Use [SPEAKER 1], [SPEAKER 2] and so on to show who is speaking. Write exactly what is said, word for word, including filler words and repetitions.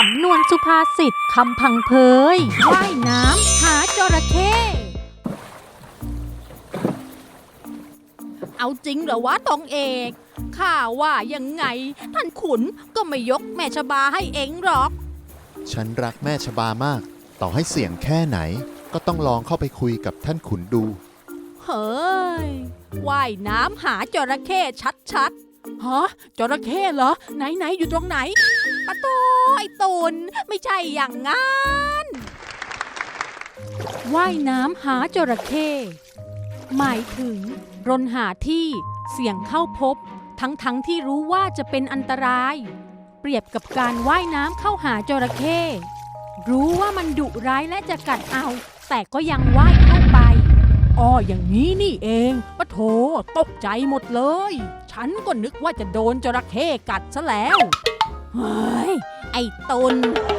[SPEAKER 1] ำนวนสุภาษิตคำพังเพยว่ายน้ำหาจระเข้เอาจริงเหรอวะตองเอกข้าว่ายังไงท่านขุนก็ไม่ยกแม่ชบาให้เองหรอก
[SPEAKER 2] ฉันรักแม่ชบามากต่อให้เสี่ยงแค่ไหนก็ต้องลองเข้าไปคุยกับท่านขุนดู
[SPEAKER 1] เฮ้ยว่ายน้ำหาจระเข้ชัดๆฮะจระเข้เหรอไหนๆอยู่ตรงไหนปะโตไอ้ตุนไม่ใช่อย่างงั้นว่ายน้ำหาจระเข้หมายถึงรนหาที่เสี่ยงเข้าพบทั้งๆ ท, ที่รู้ว่าจะเป็นอันตรายเปรียบกับการว่ายน้ำเข้าหาจระเข้รู้ว่ามันดุร้ายและจะกัดเอาแต่ก็ยังว่ายเข้าไปอ้ออย่างนี้นี่เองปะโถตกใจหมดเลยฉันก็นึกว่าจะโดนจระเข้กัดซะแล้วเฮ้ยไอ้ตุน